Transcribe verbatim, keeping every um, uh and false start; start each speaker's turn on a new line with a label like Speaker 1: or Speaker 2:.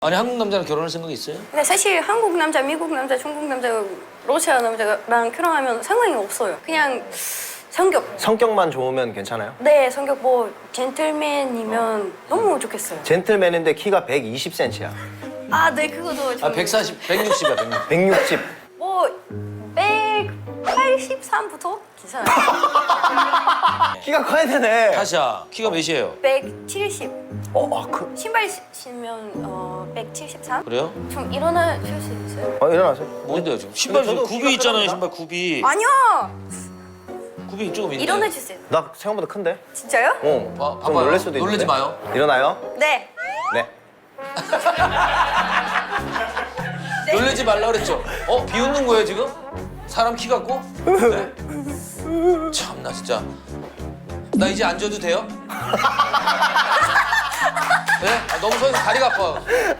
Speaker 1: 아니 한국 남자랑 결혼할 생각이 있어요?
Speaker 2: 근데 사실 한국 남자, 미국 남자, 중국 남자, 러시아 남자랑 결혼하면 상관이 없어요. 그냥 성격.
Speaker 3: 성격만 좋으면 괜찮아요?
Speaker 2: 네, 성격 뭐 젠틀맨이면 너무 좋겠어요.
Speaker 3: 젠틀맨인데 키가 백이십 센티미터야.
Speaker 2: 아, 네, 그것도 좀.
Speaker 1: 아 백사십, 백육십이야 백육십.
Speaker 3: 백육십.
Speaker 2: 뭐 백팔십삼부터 괜찮아요.
Speaker 3: 키가 커야 되네.
Speaker 1: 타샤 키가 몇이에요?
Speaker 2: 백칠십.
Speaker 3: 어, 아, 그.
Speaker 2: 신발 시- 신으면 어 백칠십삼?
Speaker 1: 그래요?
Speaker 2: 좀 일어나실 수 있어요?
Speaker 3: 어, 일어나세요.
Speaker 1: 뭔데요 지금? 신발
Speaker 3: 저도
Speaker 1: 굽이
Speaker 3: 키가
Speaker 1: 있잖아요
Speaker 3: 크답니다.
Speaker 1: 신발 굽이.
Speaker 2: 아니요.
Speaker 1: 굽이 조금 있네.
Speaker 2: 일어나 주세요.
Speaker 3: 나 생각보다 큰데?
Speaker 2: 진짜요?
Speaker 3: 어.
Speaker 1: 봐,
Speaker 3: 좀
Speaker 1: 봐봐요.
Speaker 3: 놀랄 수도 있는데.
Speaker 1: 놀라지 마요.
Speaker 3: 일어나요?
Speaker 2: 네.
Speaker 3: 네.
Speaker 1: 놀라지 말라 그랬죠? 어? 비웃는 거예요 지금? 사람 키 같고? 네? 참나 진짜. 나 이제 앉아도 돼요? 네? 아, 너무 서서 다리가 아파.